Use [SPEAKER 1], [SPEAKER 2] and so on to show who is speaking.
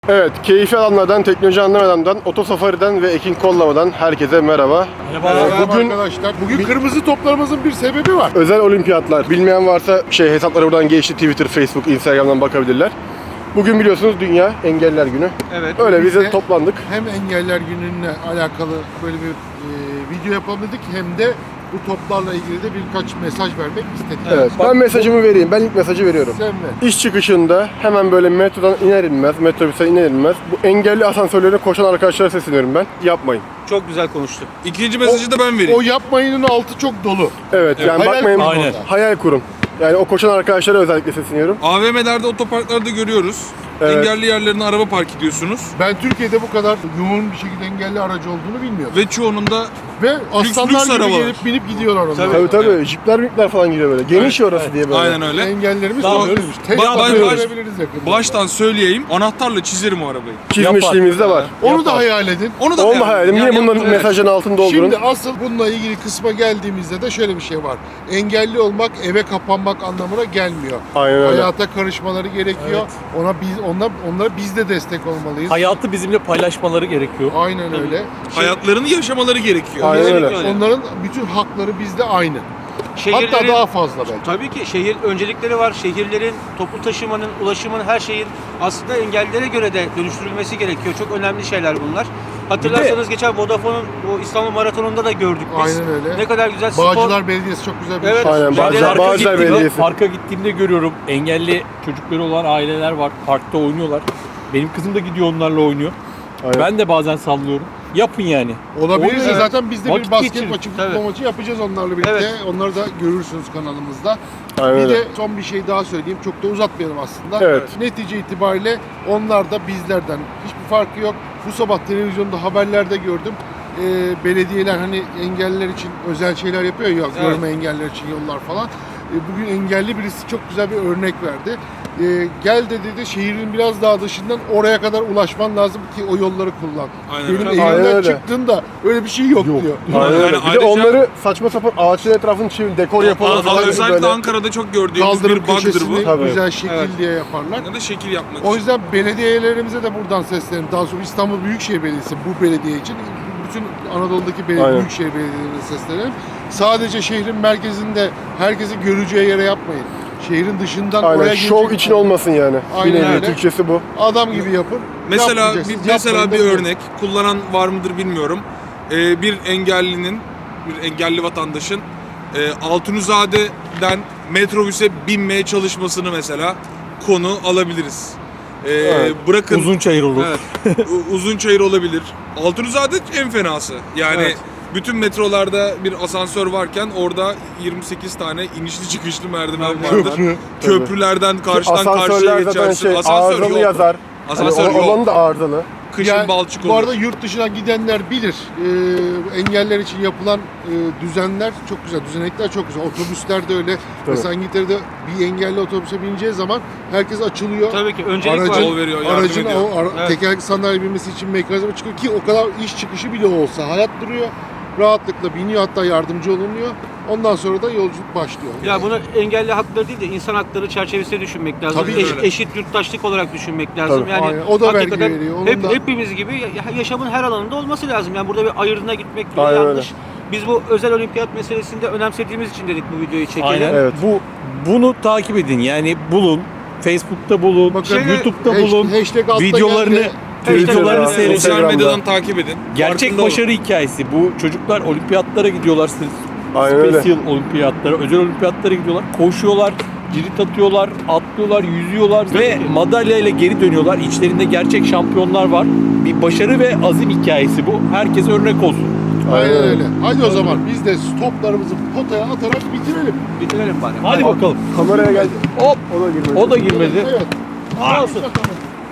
[SPEAKER 1] Evet, keyifli alanlardan, teknoloji anlamadan, Otosafari'den ve Ekin Kollama'dan herkese merhaba.
[SPEAKER 2] Merhaba arkadaşlar. Bugün kırmızı toplarımızın bir sebebi var.
[SPEAKER 1] Özel olimpiyatlar. Bilmeyen varsa hesapları buradan geçti. Twitter, Facebook, Instagram'dan bakabilirler. Bugün biliyorsunuz Dünya Engelliler Günü.
[SPEAKER 2] Evet.
[SPEAKER 1] Öyle
[SPEAKER 2] biz
[SPEAKER 1] bize
[SPEAKER 2] de
[SPEAKER 1] toplandık.
[SPEAKER 2] Hem engeller gününe alakalı böyle bir video yapalım dedik, hem de bu toplarla ilgili de birkaç mesaj vermek istedik.
[SPEAKER 1] Evet, ben mesajımı vereyim. Ben ilk mesajı veriyorum.
[SPEAKER 2] Sen ver.
[SPEAKER 1] İş çıkışında hemen böyle metrodan iner inmez, metrobüsten iner inmez bu engelli asansörlerine koşan arkadaşlara sesleniyorum ben. Yapmayın.
[SPEAKER 3] Çok güzel konuştu.
[SPEAKER 4] İkinci mesajı da ben vereyim.
[SPEAKER 2] O yapmayının altı çok dolu.
[SPEAKER 1] Evet, yani
[SPEAKER 2] hayal
[SPEAKER 1] bakmayın.
[SPEAKER 2] kurun
[SPEAKER 1] Aynen.
[SPEAKER 2] orada.
[SPEAKER 1] Hayal kurun. Yani o koşan arkadaşlara özellikle sesleniyorum.
[SPEAKER 4] AVM'lerde, otoparklarda görüyoruz.
[SPEAKER 1] Evet.
[SPEAKER 4] Engelli yerlerine araba park ediyorsunuz.
[SPEAKER 2] Ben Türkiye'de bu kadar yoğun bir şekilde engelli aracı olduğunu bilmiyordum.
[SPEAKER 4] Ve çoğunun da
[SPEAKER 2] Ve aslanlar
[SPEAKER 4] lüks
[SPEAKER 2] gibi
[SPEAKER 4] arabalar.
[SPEAKER 2] gelip binip gidiyorlar onlar.
[SPEAKER 1] Tabii. Jipler falan giriyor böyle. Geniş orası diye böyle.
[SPEAKER 4] aynen öyle.
[SPEAKER 2] Engellerimiz
[SPEAKER 4] Daha-
[SPEAKER 2] oluyoruz.
[SPEAKER 4] Ben baş-
[SPEAKER 2] Görebiliriz yakında.
[SPEAKER 4] Baştan söyleyeyim, anahtarla çizerim o arabayı.
[SPEAKER 1] Çizmişliğimiz de var.
[SPEAKER 2] Onu da hayal edin.
[SPEAKER 4] Onu da
[SPEAKER 1] Onu da hayal edin. Yine bunların mesajın altını doldurun.
[SPEAKER 2] Şimdi asıl bununla ilgili kısma geldiğimizde de şöyle bir şey var. Engelli olmak eve kapanmak anlamına gelmiyor.
[SPEAKER 1] Aynen öyle.
[SPEAKER 2] Hayata karışmaları gerekiyor. Onlara biz de destek olmalıyız.
[SPEAKER 3] Hayatı bizimle paylaşmaları gerekiyor.
[SPEAKER 2] Aynen öyle.
[SPEAKER 4] Hayatlarını yaşamaları gerekiyor.
[SPEAKER 1] Aynen öyle.
[SPEAKER 2] Onların bütün hakları bizde aynı.
[SPEAKER 3] Şehirlerin,
[SPEAKER 2] Hatta daha fazla belki.
[SPEAKER 3] tabii ki şehir öncelikleri var. Şehirlerin, toplu taşımanın, ulaşımın, her şeyin aslında engellilere göre de dönüştürülmesi gerekiyor. Çok önemli şeyler bunlar. Hatırlarsanız geçen Vodafone'un bu İstanbul Maratonu'nda da gördük biz.
[SPEAKER 2] Aynen öyle.
[SPEAKER 3] Ne kadar güzel spor.
[SPEAKER 2] Bağcılar Belediyesi çok güzel bir
[SPEAKER 3] Evet.
[SPEAKER 2] şey.
[SPEAKER 1] Aynen, Bağcılar
[SPEAKER 3] Parka
[SPEAKER 1] Belediyesi.
[SPEAKER 5] Parka gittiğimde görüyorum, engelli çocukları olan aileler var, parkta oynuyorlar. Benim kızım da gidiyor onlarla oynuyor.
[SPEAKER 1] Aynen.
[SPEAKER 5] Ben de bazen sallıyorum. Yapın yani.
[SPEAKER 2] Olabilirse
[SPEAKER 5] Oluyor.
[SPEAKER 2] zaten biz de bir
[SPEAKER 5] Vakit
[SPEAKER 2] basket
[SPEAKER 5] geçirin.
[SPEAKER 2] maçı,
[SPEAKER 3] Tabii.
[SPEAKER 2] futbol maçı yapacağız onlarla birlikte.
[SPEAKER 3] Evet.
[SPEAKER 2] Onları da görürsünüz kanalımızda.
[SPEAKER 1] Aynen
[SPEAKER 2] Bir
[SPEAKER 1] öyle.
[SPEAKER 2] de son bir şey daha söyleyeyim. Çok da uzatmayalım aslında.
[SPEAKER 1] Evet.
[SPEAKER 2] Netice itibariyle onlar da bizlerden hiçbir farkı yok. Bu sabah televizyonda haberlerde gördüm. Belediyeler hani engelliler için özel şeyler yapıyor ya, görme engelliler için yollar falan. Bugün engelli birisi çok güzel bir örnek verdi. Gel de dedi, şehrin biraz daha dışından oraya kadar ulaşman lazım ki o yolları kullan.
[SPEAKER 4] Aynen
[SPEAKER 2] Benim
[SPEAKER 4] öyle.
[SPEAKER 1] Aynen
[SPEAKER 2] evimden
[SPEAKER 1] öyle.
[SPEAKER 2] çıktığında öyle bir şey yok diyor.
[SPEAKER 1] Aynen öyle.
[SPEAKER 4] Yani
[SPEAKER 1] Bir de
[SPEAKER 4] ayrıca-
[SPEAKER 1] onları saçma sapan ağaçların etrafını çevir, dekor yapalım falan gibi
[SPEAKER 4] Özellikle
[SPEAKER 1] böyle.
[SPEAKER 4] Ankara'da çok gördüğümüz
[SPEAKER 2] Kaldırım
[SPEAKER 4] bir bug'dır
[SPEAKER 2] köşesini
[SPEAKER 4] bu.
[SPEAKER 1] Tabii.
[SPEAKER 2] güzel şekil
[SPEAKER 4] Evet.
[SPEAKER 2] diye yaparlar.
[SPEAKER 4] Ya da şekil yapmak
[SPEAKER 2] O
[SPEAKER 4] için.
[SPEAKER 2] yüzden belediyelerimize de buradan seslenelim. Daha sonra İstanbul Büyükşehir Belediyesi bu belediye için bütün Anadolu'daki
[SPEAKER 1] Aynen.
[SPEAKER 2] büyükşehir belediyelerine seslenelim. Sadece şehrin merkezinde herkesi göreceği yere yapmayın. Şehrin dışından
[SPEAKER 1] Aynen,
[SPEAKER 2] oraya
[SPEAKER 1] şov
[SPEAKER 2] gelecek
[SPEAKER 1] için olmasın yani.
[SPEAKER 2] Aynen
[SPEAKER 1] Bir nevi
[SPEAKER 2] öyle.
[SPEAKER 1] Türkçesi bu.
[SPEAKER 2] adam gibi yapın.
[SPEAKER 4] Mesela
[SPEAKER 2] Yapmayacaksınız,
[SPEAKER 4] mesela
[SPEAKER 2] yapmayın
[SPEAKER 4] bir
[SPEAKER 2] demiyorum.
[SPEAKER 4] örnek, kullanan var mıdır bilmiyorum. Bir engellinin, bir engelli vatandaşın Altunizade'den metrobüse binmeye çalışmasını mesela konu alabiliriz.
[SPEAKER 1] Evet.
[SPEAKER 4] Bırakın
[SPEAKER 5] Uzunçayır olur.
[SPEAKER 4] Evet. Uzunçayır olabilir. Altunizade en fenası. Yani
[SPEAKER 1] Evet.
[SPEAKER 4] bütün metrolarda bir asansör varken orada 28 tane inişli çıkışlı merdiven vardır.
[SPEAKER 2] Köprü.
[SPEAKER 4] Köprülerden karşıdan karşıya
[SPEAKER 1] Asansörler zaten
[SPEAKER 4] geçersin.
[SPEAKER 1] arızalı
[SPEAKER 4] yok.
[SPEAKER 1] yazar.
[SPEAKER 4] Asansör
[SPEAKER 1] Hani
[SPEAKER 4] yok.
[SPEAKER 1] olanı da arızalı.
[SPEAKER 4] Kışın
[SPEAKER 2] Yani
[SPEAKER 4] balçık
[SPEAKER 2] bu
[SPEAKER 4] olur.
[SPEAKER 2] arada yurt dışına gidenler bilir. Engeller için yapılan düzenler çok güzel. Düzenekler çok güzel. Otobüsler de öyle. Mesela İngiltere'de bir engelli otobüse bineceği zaman herkes açılıyor.
[SPEAKER 3] Tabii ki öncelik var.
[SPEAKER 2] Aracın,
[SPEAKER 4] Yol veriyor, yardım
[SPEAKER 2] aracın
[SPEAKER 4] ediyor.
[SPEAKER 3] Evet.
[SPEAKER 2] tekerlekli sandalye binmesi için mekanizma çıkıyor ki o kadar iş çıkışı bile olsa hayat duruyor. Rahatlıkla biniyor, hatta yardımcı olunuyor. Ondan sonra da yolculuk başlıyor.
[SPEAKER 3] Ya bunu engelli hakları değil de insan hakları çerçevesinde düşünmek lazım.
[SPEAKER 2] Tabii
[SPEAKER 4] öyle.
[SPEAKER 3] Eşit yurttaşlık olarak düşünmek lazım.
[SPEAKER 1] Tabii.
[SPEAKER 3] Yani
[SPEAKER 2] Aynen. O da vergi
[SPEAKER 3] hakikaten
[SPEAKER 2] veriyor, onun da-
[SPEAKER 3] hepimiz gibi yaşamın her alanında olması lazım. Yani burada bir ayırdına gitmek bile
[SPEAKER 1] Aynen
[SPEAKER 3] yanlış. Biz bu özel olimpiyat meselesinde önemsediğimiz için dedik bu videoyu çekelim.
[SPEAKER 5] Aynen.
[SPEAKER 1] Evet.
[SPEAKER 5] Bunu takip edin. Yani bulun. Facebook'ta bulun,
[SPEAKER 2] Bakın,
[SPEAKER 5] YouTube'da bulun.
[SPEAKER 2] Hashtag altta
[SPEAKER 5] Videolarını
[SPEAKER 2] geldi.
[SPEAKER 5] videolarını
[SPEAKER 1] Twitter'da,
[SPEAKER 5] seyredin.
[SPEAKER 4] Sosyal
[SPEAKER 1] Instagram'da.
[SPEAKER 4] medyadan takip edin.
[SPEAKER 5] Gerçek
[SPEAKER 4] Farkında olun.
[SPEAKER 5] başarı hikayesi. Bu çocuklar olimpiyatlara gidiyorlar.
[SPEAKER 1] Aynen öyle.
[SPEAKER 5] Special olimpiyatlara, özel olimpiyatlara gidiyorlar. Koşuyorlar, cirit atıyorlar, atlıyorlar, yüzüyorlar ve madalya ile geri dönüyorlar. İçlerinde gerçek şampiyonlar var. Bir başarı ve azim hikayesi bu. Herkese örnek olsun.
[SPEAKER 2] Aynen öyle. Hadi o zaman biz de toplarımızı potaya atarak bitirelim.
[SPEAKER 3] Bitirelim bari.
[SPEAKER 5] Hadi bakalım.
[SPEAKER 1] Kameraya geldi.
[SPEAKER 5] Hop.
[SPEAKER 1] O da girmedi.
[SPEAKER 5] O da girmedi.
[SPEAKER 2] Evet.
[SPEAKER 5] Aa,
[SPEAKER 2] Olsun.